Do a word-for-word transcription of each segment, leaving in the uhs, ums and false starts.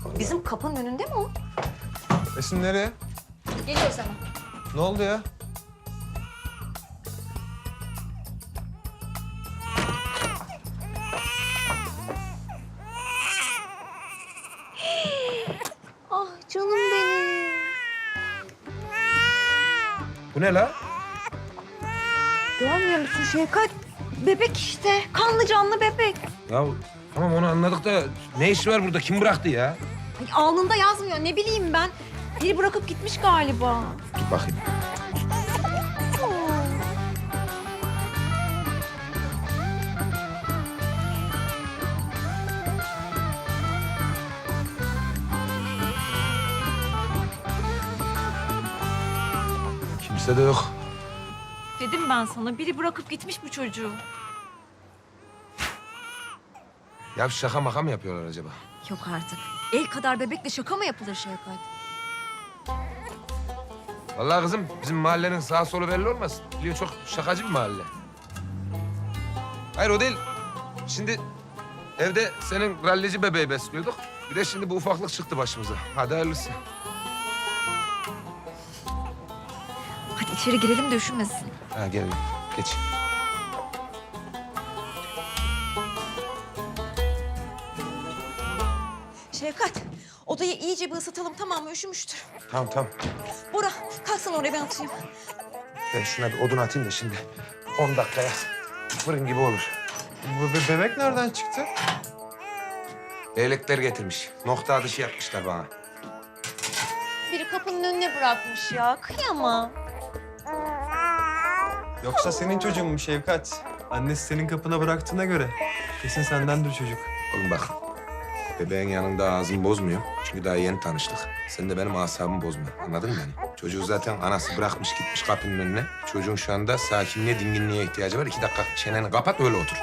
Bizim kapının önünde mi o? Esin nereye? Geliyor sana. Ne oldu ya? Ah canım benim. Bu ne la? Görmüyor musun Şevkat? Bebek işte. Kanlı canlı bebek. Ya tamam onu anladık da ne işi var burada? Kim bıraktı ya? Ay, alnında yazmıyor. Ne bileyim ben. Biri bırakıp gitmiş galiba. Dur bakayım. Kimse de yok. Dedim ben sana. Biri bırakıp gitmiş bu çocuğu. Ya şaka maka mı yapıyorlar acaba? Yok artık. El kadar bebekle şaka mı yapılır Şevkat? Vallahi kızım bizim mahallenin sağ solu belli olmaz. Biliyor çok şakacı bir mahalle. Hayır o değil. Şimdi evde senin rallici bebeği besliyorduk. Bir de şimdi bu ufaklık çıktı başımıza. Hadi hayırlısı. Hadi içeri girelim de üşümesin. Ha gel geç. Şevkat, odayı iyice bir ısıtalım tamam mı? Üşümüştür. Tamam tamam. Bora, kalksana oraya ben atayım. Ben şuna bir odun atayım da şimdi on dakikaya fırın gibi olur. Bu be- bebek nereden çıktı? Leylekler getirmiş. Nokta atışı yapmışlar bana. Biri kapının önüne bırakmış ya. Kıyamam. Yoksa senin çocuğun mu Şevkat? Annesi senin kapına bıraktığına göre kesin sendendir çocuk. Oğlum bak, bebeğin yanında ağzımı bozmuyor. Çünkü daha yeni tanıştık. Sen de benim asabımı bozma. Anladın mı beni? Çocuğu zaten anası bırakmış gitmiş kapının önüne. Çocuğun şu anda sakinliğe, dinginliğe ihtiyacı var. İki dakika çeneni kapat, öyle otur.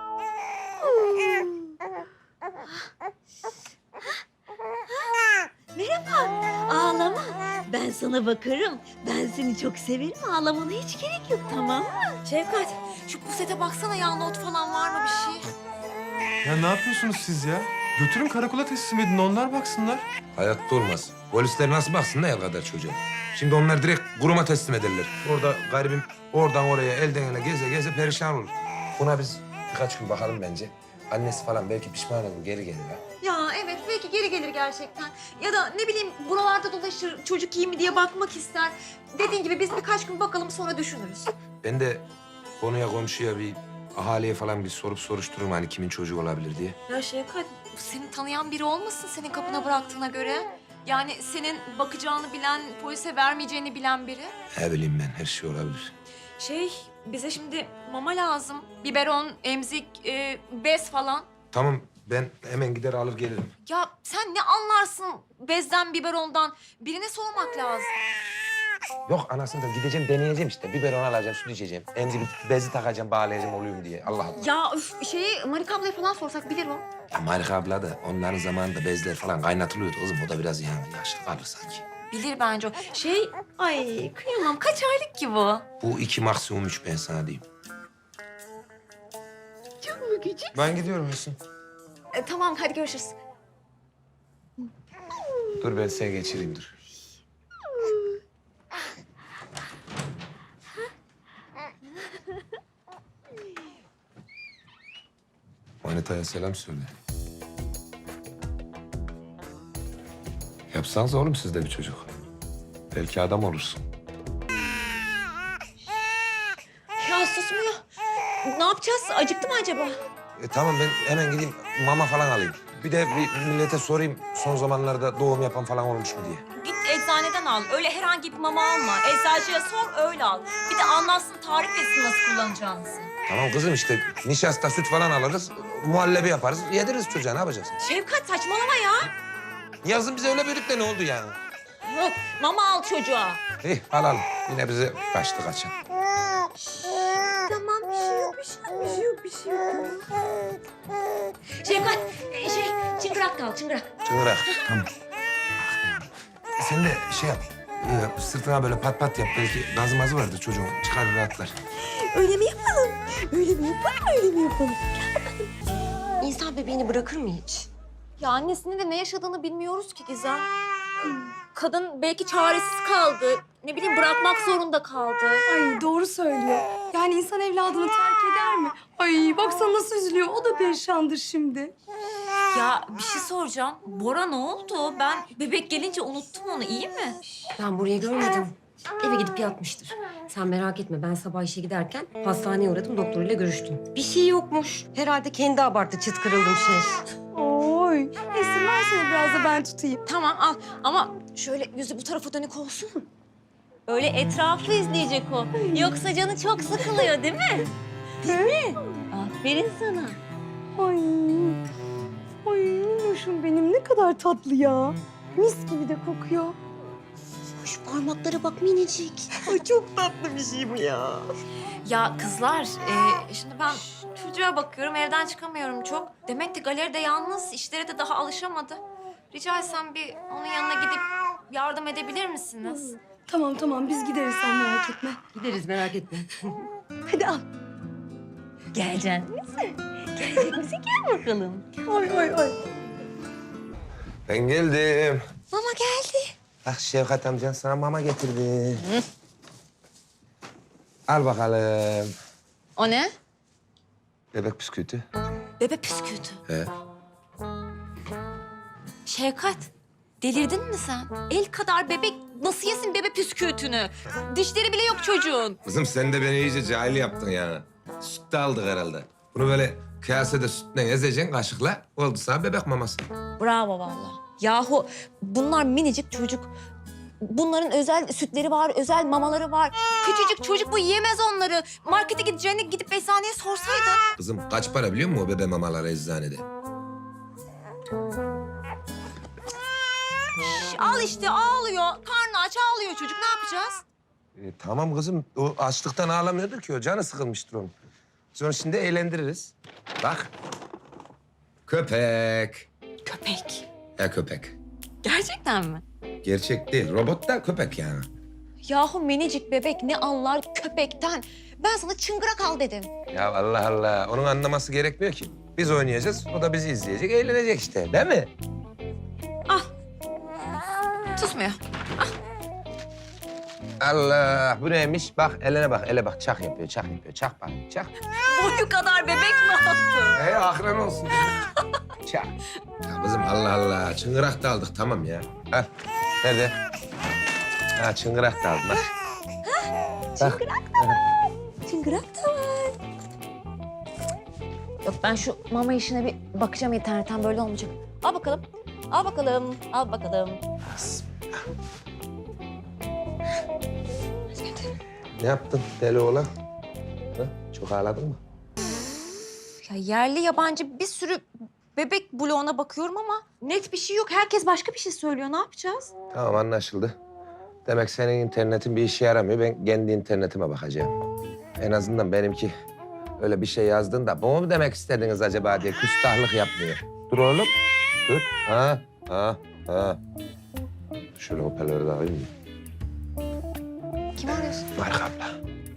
Ağlama. Ben sana bakarım. Ben seni çok severim. Ağlamana hiç gerek yok, tamam mı? Şevkat, şu pusete baksana ya. Not falan var mı bir şey? Ya ne yapıyorsunuz siz ya? Götürün karakola teslim edin, onlar baksınlar. Hayatta olmaz. Polisler nasıl baksın ne el kadar çocuğa? Şimdi onlar direkt kuruma teslim ederler. Orada garibim oradan oraya elden ele geze geze perişan olur. Buna biz birkaç gün bakalım bence. Annesi falan belki pişman olur, geri gelir ha. Ya evet, belki geri gelir gerçekten. Ya da ne bileyim buralarda dolaşır, çocuk iyi mi diye bakmak ister. Dediğin gibi biz birkaç gün bakalım sonra düşünürüz. Ben de konuya komşuya bir ahaliye falan bir sorup soruştururum hani kimin çocuğu olabilir diye. Ya Şevkat, seni tanıyan biri olmasın senin kapına bıraktığına göre? Yani senin bakacağını bilen, polise vermeyeceğini bilen biri. Ne bileyim ben, her şey olabilir. Şey, bize şimdi mama lazım. Biberon, emzik, e, bez falan. Tamam, ben hemen gider alır gelirim. Ya sen ne anlarsın bezden, biberondan? Birine sormak lazım. Yok anasını da gideceğim, deneyeceğim işte. Biberon alacağım, süt içeceğim. Emzik bezi takacağım, bağlayacağım oluyorum diye. Allah Allah. Ya üf, şeyi Marika ablaya falan sorsak bilir o. Ya Marika abla da onların zamanında bezler falan kaynatılıyordu kızım. O da biraz yani yaşlı kalır sanki. Bilir bence o. Şey, ay kıyamam. Kaç aylık ki bu? Bu iki maksimum üç, ben sana diyeyim. Çok mu küçük? Ben gidiyorum Esin. E, tamam, hadi görüşürüz. Dur ben seni geçireyim dur. Manitaya selam söyle. Yapsanız oğlum siz de bir çocuk. Belki adam olursun. Ya susmuyor. Ne yapacağız? Acıktı mı acaba? E, tamam ben hemen gideyim mama falan alayım. Bir de bir millete sorayım son zamanlarda doğum yapan falan olmuş mu diye. Git eczaneden al. Öyle herhangi bir mama alma. Eczacıya sor, öyle al. Bir de anlatsın, tarif etsin nasıl kullanacağınızı. Tamam kızım işte nişasta süt falan alırız. Muhallebi yaparız. Yediririz çocuğa, ne yapacaksın? Şevkat saçmalama ya. Yazın bize öyle büyüdük de ne oldu yani? Yok, mama al çocuğa. İyi alalım. Yine bize kaçtı kaçan. Tamam, bir şey yok, bir şey yok, bir şey yok, bir şey yok. Şevkat, e, şey, çıngırak da al, çıngırak. Çıngırak. Tamam. Sen de şey yap. e, Sırtına böyle pat pat yap. Belki gazı mazı vardır çocuğun. Çıkar rahatlar. Öyle mi yapalım? Öyle mi yapalım, öyle mi yapalım? İnsan bebeğini bırakır mı hiç? Ya annesinin de ne yaşadığını bilmiyoruz ki Gizem. Kadın belki çaresiz kaldı. Ne bileyim bırakmak zorunda kaldı. Ay doğru söylüyor. Yani insan evladını terk eder mi? Ay baksana nasıl üzülüyor. O da perişandır şimdi. Ya bir şey soracağım. Bora ne oldu? Ben bebek gelince unuttum onu. İyi mi? Ben burayı görmedim. Eve gidip yatmıştır. Sen merak etme. Ben sabah işe giderken hastaneye uğradım. Doktoruyla görüştüm. Bir şey yokmuş. Herhalde kendi abarttı. Çıt kırıldım şey. Oy. Esin versene biraz da ben tutayım. Tamam al ama şöyle yüzü bu tarafa dönük olsun. Öyle etrafı izleyecek o. Yoksa canı çok sıkılıyor değil mi? Değil mi? Aferin sana. Ay. Ay minnoşum benim ne kadar tatlı ya. Mis gibi de kokuyor. Şu parmaklara bak minicik. Ay çok tatlı bir şey bu ya. Ya kızlar, e, şimdi ben çocuğa bakıyorum, evden çıkamıyorum çok. Demek ki galeride yalnız, işlere de daha alışamadı. Rica etsem bir onun yanına gidip yardım edebilir misiniz? Tamam tamam biz gideriz sen merak etme. Gideriz merak etme. Hadi al. Geleceksin misin? Gelecek misin? Gel bakalım. Ay ay ay. Ben geldim. Mama geldi. Bak Şevkat amcan sana mama getirdi. Al bakalım. O ne? Bebek bisküviti. Bebe püskürtü. He. Şevkat, delirdin mi sen? El kadar bebek nasıl yesin bebe püskürtünü? Dişleri bile yok çocuğun. Kızım sen de beni iyice cahil yaptın yani. Süt de aldık herhalde. Bunu böyle kasede sütle ezeceksin kaşıkla. Oldu sana bebek maması. Bravo vallahi. Yahu bunlar minicik çocuk. Bunların özel sütleri var, özel mamaları var. Küçücük çocuk bu yiyemez onları. Markete gideceğine gidip eczaneye sorsaydın. Kızım kaç para biliyor musun o bebe mamaları eczanede? Şş, al işte ağlıyor. Karnı aç ağlıyor çocuk. Ne yapacağız? E, tamam kızım. O açlıktan ağlamıyordur ki o. Canı sıkılmıştır onun. Biz onu şimdi eğlendiririz. Bak. Köpek. Köpek. Ya köpek. Gerçekten mi? Gerçek değil. Robot da köpek yani. Yahu minicik bebek ne anlar köpekten? Ben sana çıngırak al dedim. Ya Allah Allah. Onun anlaması gerekmiyor ki. Biz oynayacağız. O da bizi izleyecek. Eğlenecek işte. Değil mi? Tutmuyor. Allah. Bu neymiş? Bak eline bak. Ele bak. Çak yapıyor. Çak yapıyor. Çak bak. Çak. Boyu kadar bebek mi attı? Hey akran olsun. Çak. Ya kızım Allah Allah. Çıngırak da aldık. Tamam ya. Al. Nerede? Ha çıngırak da aldım. Bak. Bak. Çıngırak da var. Yok ben şu mama işine bir bakacağım internetten böyle olmayacak. Al bakalım. Al bakalım. Al bakalım. Ne yaptın deli oğlan? Ha? Çok ağladın mı? Ya yerli yabancı bir sürü bebek bloğuna bakıyorum ama net bir şey yok. Herkes başka bir şey söylüyor. Ne yapacağız? Tamam anlaşıldı. Demek senin internetin bir işe yaramıyor. Ben kendi internetime bakacağım. En azından benimki öyle bir şey yazdığında bu mu demek istediniz acaba diye küstahlık yapmıyor. Dur oğlum. Dur. Ha, ha, ha. Şöyle hoparlörü de alayım mı? Kim arıyorsun? Marika abla.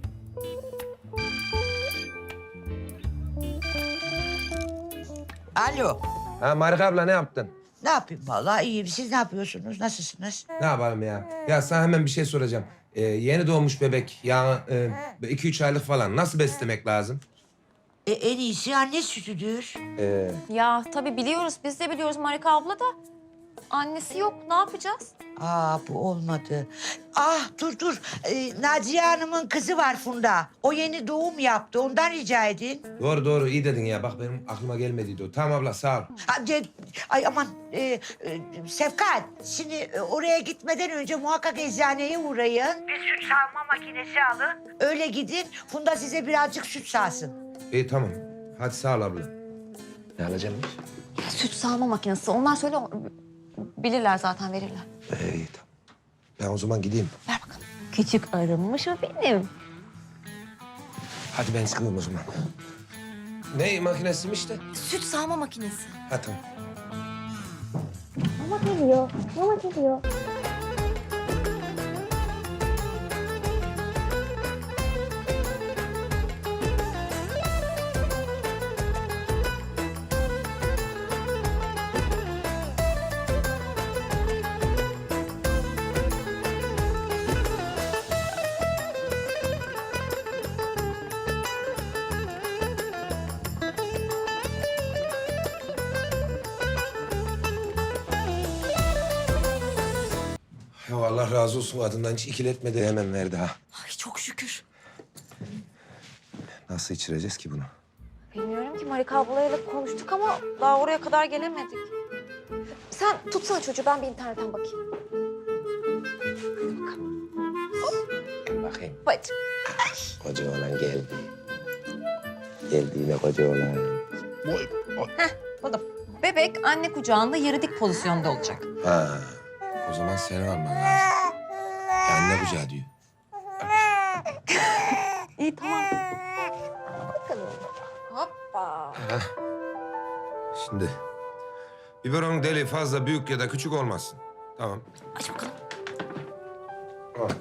Alo. Ha Marika abla ne yaptın? Ne yapayım vallahi iyiyim. Siz ne yapıyorsunuz? Nasılsınız? Ne yapalım ya? Ya sana hemen bir şey soracağım. Ee, yeni doğmuş bebek, ya e, iki üç aylık falan nasıl beslemek lazım? E, en iyisi anne sütüdür. Ee, Ya tabii biliyoruz. Biz de biliyoruz Marika abla da. Annesi yok. Ne yapacağız? Aa bu olmadı. Ah dur dur. Ee, Naciye Hanım'ın kızı var Funda. O yeni doğum yaptı. Ondan rica edin. doğru doğru iyi dedin ya. Bak benim aklıma gelmediydi o. Tamam abla sağ ol. Ha, de- ay aman e, e, Sevkat. Şimdi e, oraya gitmeden önce muhakkak eczaneye uğrayın. Bir süt sağma makinesi alın. Öyle gidin. Funda size birazcık süt sağsın. İyi tamam. Hadi sağ ol abla. Ne alacağımız? Süt sağma makinesi. Onlar söyle bilirler zaten verirler. Ee, iyi tamam. Ben o zaman gideyim. Ver bakalım. Küçük arınmış o benim. Hadi ben çıkayım o zaman. Ne makinesiymiş de? Süt sağma makinesi. Ha tamam. Mama geliyor. Mama geliyor. Allah razı olsun adından hiç ikiletmedi. Hemen verdi ha. Ay çok şükür. Nasıl içireceğiz ki bunu? Bilmiyorum ki Marika ablayla konuştuk ama daha oraya kadar gelemedik. Sen tutsana çocuğu ben bir internetten bakayım. Bakayım. Bacım. Koca oğlan geldi. Geldi yine koca oğlan. O da bebek anne kucağında yarı dik pozisyonda olacak. Ha. O zaman seni alman lazım. Ya anne kucağı diyor. İyi tamam. Bakalım. Hoppa. Heh. Şimdi biberonun deliği fazla büyük ya da küçük olmasın. Tamam. Aç bakalım. Al.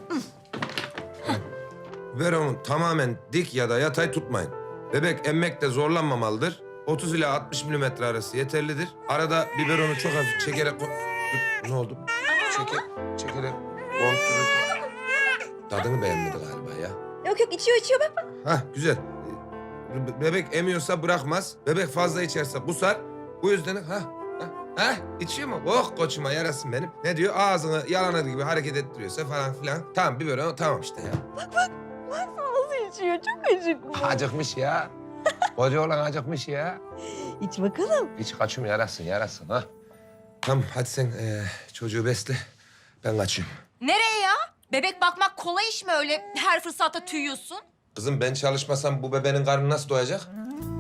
Biberonu tamamen dik ya da yatay tutmayın. Bebek emmekte zorlanmamalıdır. otuz ila altmış milimetre arası yeterlidir. Arada biberonu çok hafif çekerek... ko- Dur, ne oldu? Çeker, çekerek kontrol et. Tadını beğenmedi galiba ya. Yok yok içiyor içiyor bak. Hah güzel. Be- Bebek emiyorsa bırakmaz. Bebek fazla içerse kusar. Bu yüzden ha ha ha içiyor mu? Oh koçuma yarasın benim. Ne diyor? Ağzını yalanır gibi hareket ettiriyorsa falan filan. Tamam biberon tamam işte ya. Nasıl içiyor? Çok acıklı. Acıkmış ya. Koca olan acıkmış ya. İç bakalım. İç kaçım yarasın yarasın ha. Tamam hadi sen eee, çocuğu besle. Ben kaçıyorum. Nereye ya? Bebek bakmak kolay iş mi öyle her fırsatta tüyüyorsun? Kızım ben çalışmasam bu bebeğin karnı nasıl doyacak?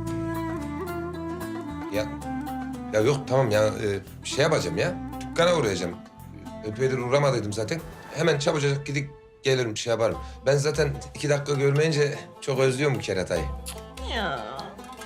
Ya ya yok tamam ya e, bir şey yapacağım ya. Dükkana uğrayacağım. Epeydir uğramadıydım zaten. Hemen çabucak gidip gelirim bir şey yaparım. Ben zaten iki dakika görmeyince çok özlüyorum bu keratayı. Ya.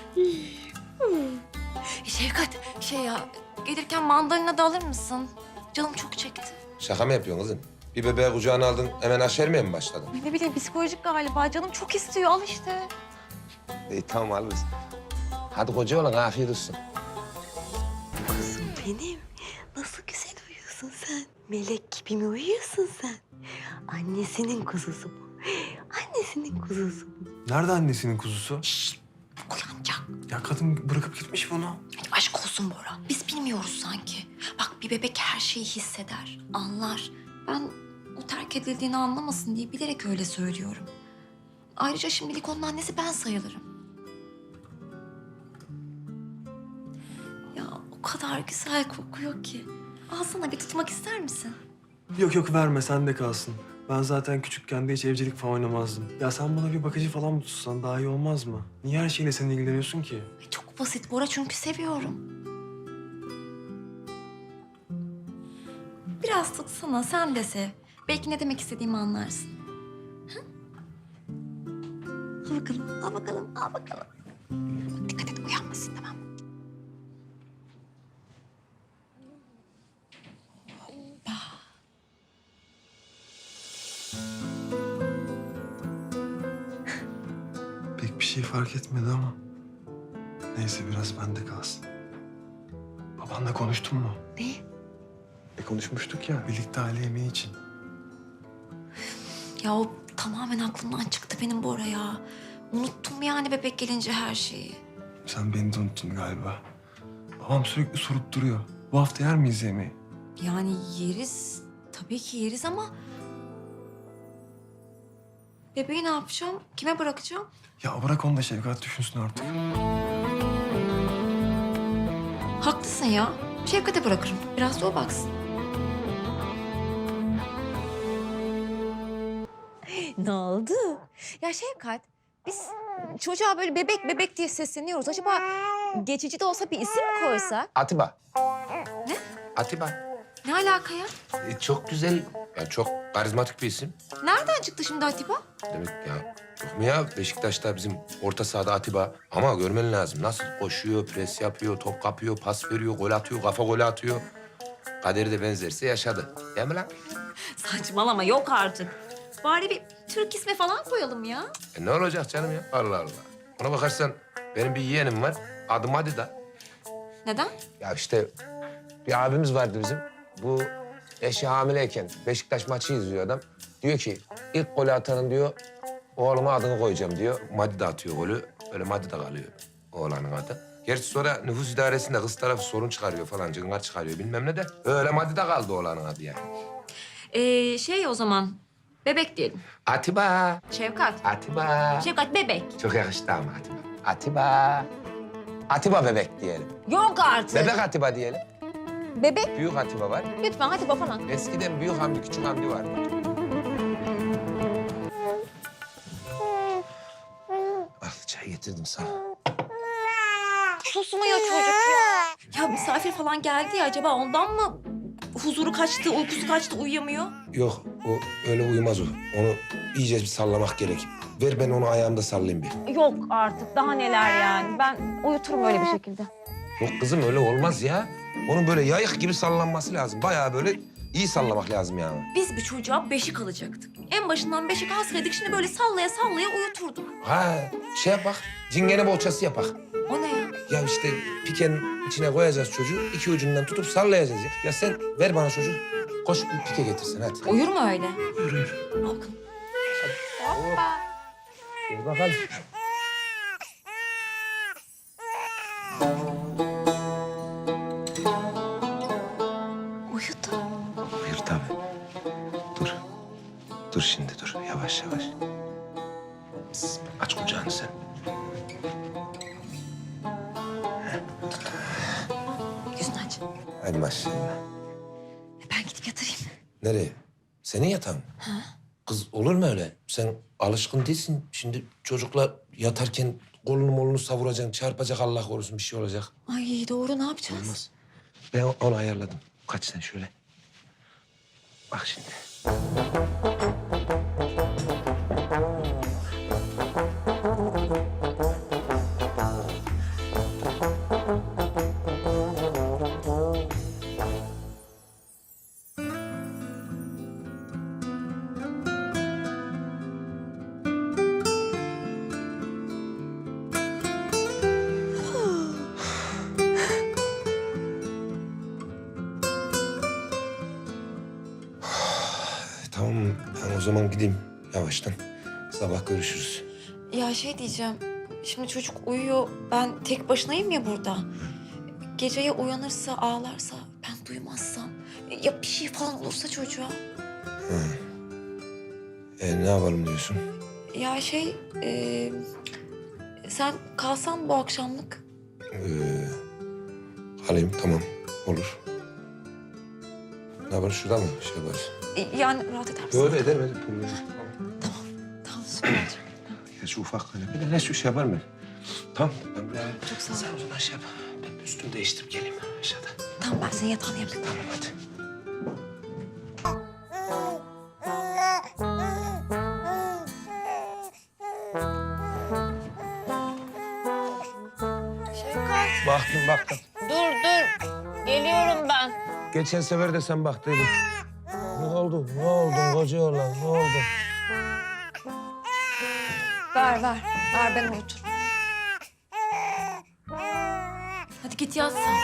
Şevkat şey ya gelirken mandalina da alır mısın? Canım çok çekti. Şaka mı yapıyorsun kızım? Bir bebeği kucağına aldın hemen aşermeye mi başladın? Ay, Ne bileyim psikolojik galiba canım çok istiyor al işte. İyi tamam alırız. Hadi koca olan afiyet olsun. Kuzum benim. Nasıl güzel uyuyorsun sen. Melek gibi mi uyuyorsun sen? Annesinin kuzusu bu. Annesinin kuzusu bu. Nerede annesinin kuzusu? Uyanacak. Ya kadın bırakıp gitmiş bunu. Ay, aşk olsun Bora. Biz bilmiyoruz sanki. Bak bir bebek her şeyi hisseder, anlar. Ben o terk edildiğini anlamasın diye bilerek öyle söylüyorum. Ayrıca şimdilik onun annesi ben sayılırım. Ya o kadar güzel kokuyor ki. Alsana bir tutmak ister misin? Yok yok verme sen de kalsın. Ben zaten küçükken de hiç evcilik falan oynamazdım. Ya sen bana bir bakıcı falan mı tutsan daha iyi olmaz mı? Niye her şeyle sen ilgileniyorsun ki? Ay, çok basit Bora çünkü seviyorum. Biraz tutsana sen de sev. Belki ne demek istediğimi anlarsın. Hı? Al bakalım, al bakalım, al bakalım. Dikkat et uyanmasın tamam mı? Pek bir şey fark etmedi ama. Neyse biraz bende kalsın. Babanla konuştun mu? Ne? E konuşmuştuk ya birlikte aile yemeği için. Ya o tamamen aklımdan çıktı benim Bora ya. Unuttum yani bebek gelince her şeyi. Sen beni de unuttun galiba. Babam sürekli sorup duruyor. Bu hafta yer miyiz yemeği? Yani yeriz, tabii ki yeriz ama... Bebeği ne yapacağım? Kime bırakacağım? Ya bırak onu da Şevkat düşünsün artık. Haklısın ya. Şevkat'e bırakırım. Biraz da o baksın. Ne oldu? Ya Şevkat, biz çocuğa böyle bebek bebek diye sesleniyoruz. Acaba geçici de olsa bir isim mi koysak? Atiba. Ne? Atiba. Ne alaka ya? E, çok güzel. Ya çok karizmatik bir isim. Nereden çıktı şimdi Atiba? Demek ya yok mu ya Beşiktaş'ta bizim orta sahada Atiba. Ama görmen lazım. Nasıl koşuyor, pres yapıyor, top kapıyor, pas veriyor, gol atıyor, kafa golü atıyor. Kaderi de benzerse yaşadı. Değil mi lan? Saçmalama yok artık. Bari bir Türk ismi falan koyalım ya. E ne olacak canım ya? Allah Allah. Ona bakarsan benim bir yeğenim var. Adı Madida. Neden? Ya işte bir abimiz vardı bizim. Bu eşi hamileyken Beşiktaş maçı izliyor adam. Diyor ki ilk golü atanın diyor oğluma adını koyacağım diyor. Madida atıyor golü. Öyle Madida kalıyor oğlanın adı. Gerçi sonra nüfus idaresinde kız tarafı sorun çıkarıyor falan, cıngar çıkarıyor bilmem ne de. Öyle Madida kaldı oğlanın adı yani. Ee, şey o zaman bebek diyelim. Atiba, Şevkat. Atiba. Şevkat bebek. Çok yakıştı ama Atiba. Atiba. Atiba bebek diyelim. Yok artık. Bebek Atiba diyelim. Bebek. Büyük Atiba var. Lütfen hadi babana. Eskiden büyük Hamdi, küçük Hamdi vardı. Al çay getirdim sana. Susmuyor çocuk ya. Ya misafir falan geldi ya acaba ondan mı huzuru kaçtı, uykusu kaçtı, uyuyamıyor? Yok, o öyle uyumaz o. Onu iyice bir sallamak gerek. Ver ben onu ayağımda sallayayım bir. Yok artık daha neler yani. Ben uyuturum öyle bir şekilde. Yok kızım öyle olmaz ya. Onun böyle yayık gibi sallanması lazım. Bayağı böyle iyi sallamak lazım yani. Biz bir çocuğa beşik alacaktık. En başından beşik alsaydık şimdi böyle sallaya sallaya uyuturduk. Ha şey yap bak, cingene bohçası yap bak. O ne ya? Ya işte pikenin içine koyacağız çocuğu, iki ucundan tutup sallayacağız ya. Ya sen ver bana çocuğu, koş bir pike getirsin hadi. Uyur mu öyle? Yürü. Bakın. Dur bakalım. Uyudu. Buyur tabii. Dur. Dur şimdi dur. Yavaş yavaş. Pıs, aç kucağını sen. Yüzünü aç. Hadi maşallah. Ben gidip yatırayım. Nereye? Senin yatağın mı? Kız olur mu öyle? Sen alışkın değilsin. Şimdi çocukla yatarken kolunu molunu savuracaksın. Çarpacak Allah korusun bir şey olacak. Ay doğru ne yapacağız? Olmaz. Ben onu ayarladım. Kaç sen şöyle. Bak şimdi. Tamam ben o zaman gideyim yavaştan. Sabah görüşürüz. Ya şey diyeceğim. Şimdi çocuk uyuyor. Ben tek başınayım ya burada. Geceye uyanırsa, ağlarsa, ben duymazsam. Ya bir şey falan olursa çocuğa. E, ne yapalım diyorsun? Ya şey, e, sen kalsan bu akşamlık. Ee, alayım tamam olur. Ne yapalım şurada mı şey yaparız? E, Yani rahat eder misin? Böyle ederim ederim. Problem yok. Tamam süper. Ya şu ufak hani bir de ne şu şey yapar mı? Tamam. Ben bir Çok sağ ol. Sen o zaman şey yap. Ben bir üstümü değiştirip geleyim aşağıda. Tamam ben senin yatağını yapayım. Tamam hadi. Şevkat. Baktım baktım. Dur dur. Geliyorum ben. Geçen sefer de sen baktıydın. Ne oldu? Ne oldu koca oğlan? Ne oldu? Ver ver. Ver ben uyuturum. Hadi git yat sen.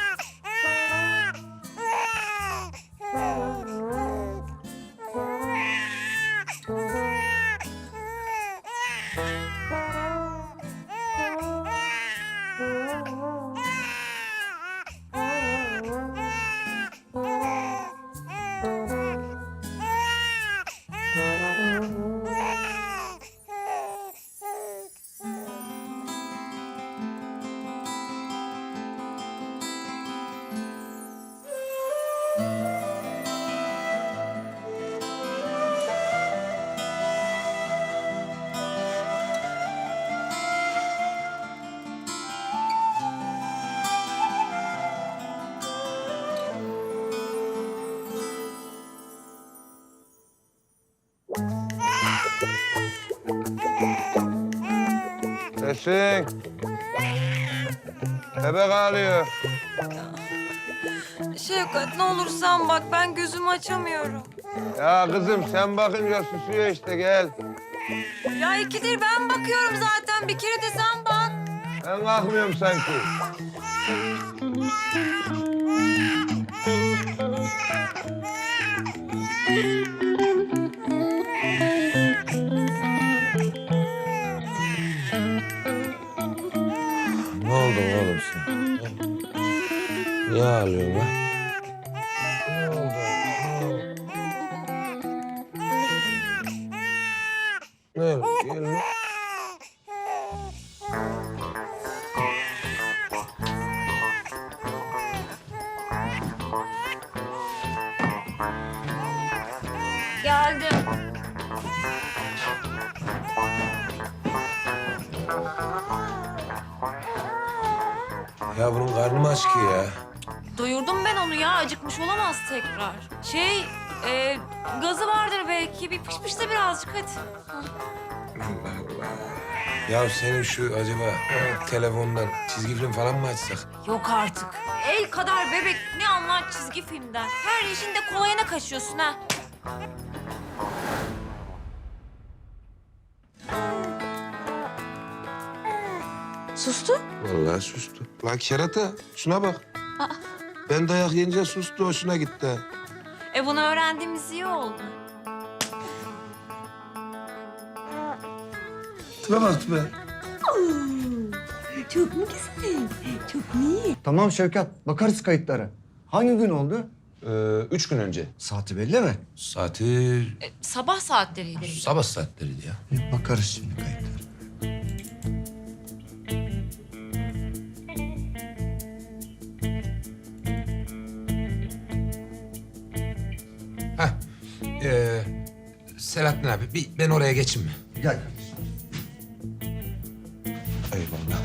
Esin. Bebek ağlıyor. Şevkat ne olur sen bak ben gözümü açamıyorum. Ya kızım sen bakınca susuyor işte gel. Ya ikidir ben bakıyorum zaten bir kere de sen bak. Ben kalkmıyorum sanki. Ne oldu oğlum sen? Niye ağlıyorsun lan? Ne oldu? Geldim. Ya bunun karnı mı aç ki ya? Doyurdum ben onu ya. Acıkmış olamaz tekrar. Şey, e, gazı vardır belki. Bir pışpışla birazcık hadi. Allah Allah. Ya senin şu acaba telefondan çizgi film falan mı açsak? Yok artık. El kadar bebek ne anlar çizgi filmden. Her işinde kolayına kaçıyorsun ha. Sustu. Vallahi sustu. Lan kerata şuna bak. Ben dayak yiyince sustu, hoşuna gitti. ha. E bunu öğrendiğimiz iyi oldu. Tipe bak tipe. Çok mu güzel? Çok mu iyi? Tamam Şevkat, bakarız kayıtlara. Hangi gün oldu? Ee, üç gün önce. Saati belli mi? Saati E, sabah saatleriydi. sabah saatleriydi ya. Bir bakarız şimdi kayıtlara. Hah. Ee, Selahattin abi bir ben oraya geçeyim mi? Gel kardeşim. Eyvallah.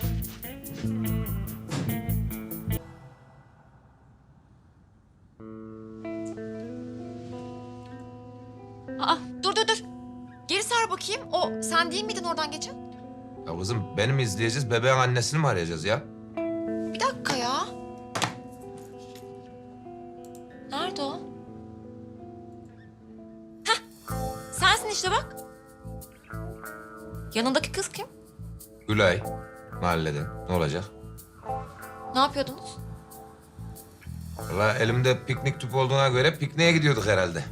Aa, dur dur dur. Geri sar bakayım. O sen değil miydin oradan geçen? Ya kızım beni mi izleyeceğiz, bebeğin annesini mi arayacağız ya? Bir dakika ya. Nerede o? Heh, sensin işte bak. Yanındaki kız kim? Gülay, mahalleden. Ne olacak? Ne yapıyordunuz? Vallahi elimde piknik tüpü olduğuna göre pikniğe gidiyorduk herhalde.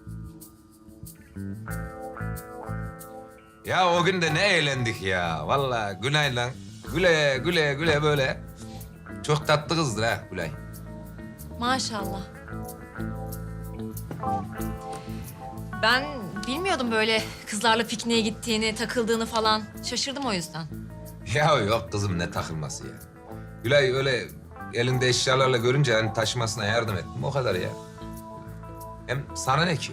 Ya o gün de ne eğlendik ya. Vallahi Gülay'la güle güle güle böyle. Çok tatlı kızdır ha Gülay. Maşallah. Ben bilmiyordum böyle kızlarla pikniğe gittiğini, takıldığını falan. Şaşırdım o yüzden. Ya yok kızım ne takılması ya. Gülay öyle elinde eşyalarla görünce hani taşımasına yardım ettim o kadar ya. Hem sana ne ki?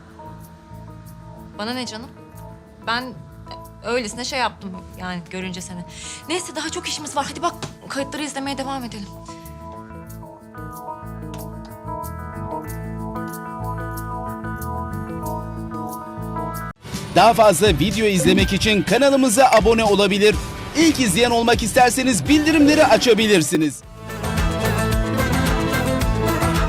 Bana ne canım? Ben öylesine şey yaptım yani görünce seni. Neyse daha çok işimiz var. Hadi bak kayıtları izlemeye devam edelim. Daha fazla video izlemek için kanalımıza abone olabilir. İlk izleyen olmak isterseniz bildirimleri açabilirsiniz.